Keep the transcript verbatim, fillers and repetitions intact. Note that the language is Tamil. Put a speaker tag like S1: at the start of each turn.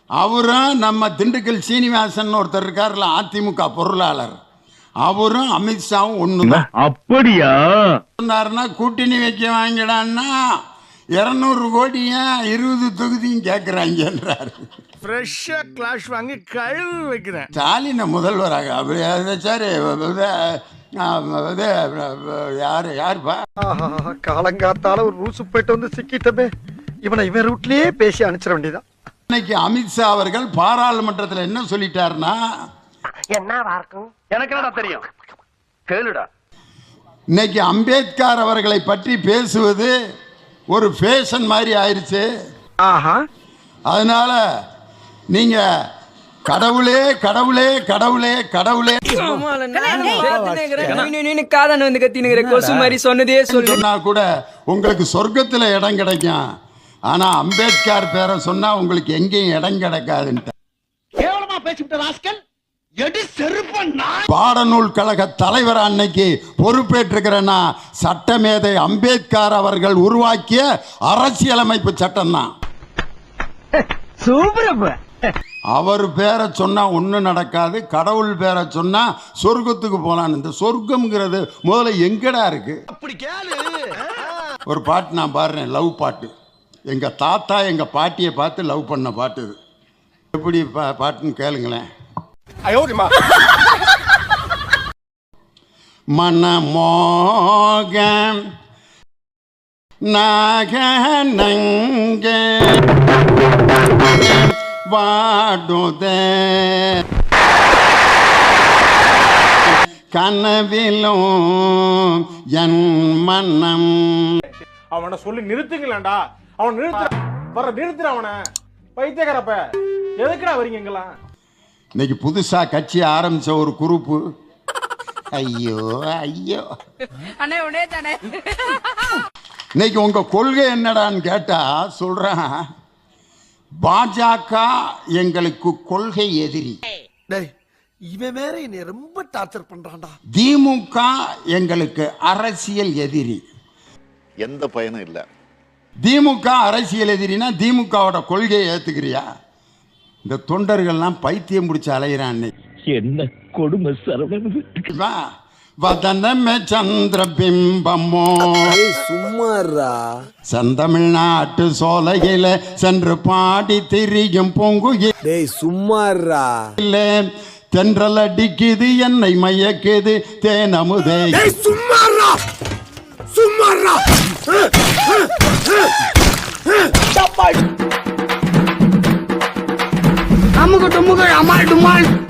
S1: அவரும் நம்ம திண்டுக்கல் சீனிவாசன் ஒருத்தர் இருக்காருல அதிமுக பொருளாளர், அவரும் அமித்ஷாவும் ஒண்ணுதான்.
S2: அப்படியா
S1: சொன்னாருன்னா கூட்டணி வைக்க வாங்கிடான்னா இருநூறு கோடியா இருபது தொகுதியும் கேட்கிறாங்கன்றாரு.
S3: ஃப்ரெஷ்ஷா கிளாஷ் வாங்கி கழுவி வைக்கிறேன்.
S1: ஸ்டாலினை முதல்வராக அப்படி சார் யாரு யாருப்பா
S4: காலங்காத்தால ஒரு ரூசு போயிட்டு வந்து சிக்கிட்டமே, இவனை இவன் ரூட்லயே பேசி அனுப்பிச்சிட வேண்டியதான்.
S1: இன்னைக்கு அமித்ஷா அவர்கள் பாராளுமன்றத்தில் என்ன சொல்லிட்டாருன்னா,
S5: என்ன வார்க்கும் எனக்கு என்னடா தெரியும் கேளுடா.
S1: இன்னைக்கு அம்பேத்கர் அவர்களை பற்றி பேசுவது ஒரு ஃபேஷன் மாதிரி ஆயிருச்சு.
S4: ஆஹா,
S1: அதனால நீங்க கடவுளே கடவுளே கடவுளே கடவுளே சொன்னா கூட உங்களுக்கு சொர்க்கத்துல இடம் கிடைக்கும். ஆனா அம்பேத்கர் பேரை சொன்னா உங்களுக்கு எங்கேயும் இடம் கிடைக்காதுன்னு பாடநூல் கழக தலைவர் அன்னைக்கு பொறுப்பேற்றுக்கிறேன்னா சட்டமேதை அம்பேத்கர் அவர்கள் உருவாக்கிய அரசியலமைப்பு சட்டம் தான். அவர் பேரை சொன்னா ஒண்ணு நடக்காது, கடவுள் பேரை சொன்னா சொர்க்கத்துக்கு போலான்னு. இந்த சொர்க்கம்ங்கிறது முதல்ல எங்கடா இருக்கு? ஒரு பாட்டு நான் பாடுறேன், லவ் பாட்டு. எங்க தாத்தா எங்க பாட்டியை பார்த்து லவ் பண்ண பாட்டு இது. எப்படி பாட்டுன்னு கேளுங்களேன். மனமோகம் நாகநங்க வாடுதே கனவிலும் என் மனம்.
S6: அவனை சொல்லி நிறுத்துங்களேன்டா, அவன் நிறுத்து வர நிறுத்துற அவனை. பைத்தியக்காரப்ப எதுக்குடா வரீங்க எங்கெல்லாம்?
S1: இன்னைக்கு புதுசா கட்சி ஆரம்பிச்ச ஒரு குரூப்பு, ஐயோ ஐயோ இன்னைக்கு உங்க கொள்கை என்னடான்னு கேட்டா சொல்றேன், பாஜக எங்களுக்கு கொள்கை எதிரி,
S4: இவன் வேற என்னை ரொம்ப டார்ச்சர் பண்றான்டா.
S1: திமுக எங்களுக்கு அரசியல் எதிரி.
S7: எந்த பயனும் இல்ல.
S1: திமுக அரசியல் எதிரினா திமுகவோட கொள்கையை ஏத்துக்கிறியா? இந்த தொண்டர்கள்லாம் பைத்தியம் பிடிச்ச அலையிறான்.
S2: என்ன கொடுமை சரவணன்.
S1: வதனமே சந்திர பிம்பமோ
S4: சும்மாறா,
S1: செந்தமிழ்நாட்டு சோலையில சென்று பாடி திரியும் பொங்குகிலே
S4: சும்மாறா,
S1: தென்றல் அடிக்குது என்னை மயக்குது தேனமுதே.
S4: சும்மாறா சும்மாறா.
S5: அமுக டுமுக அமால் டுமால்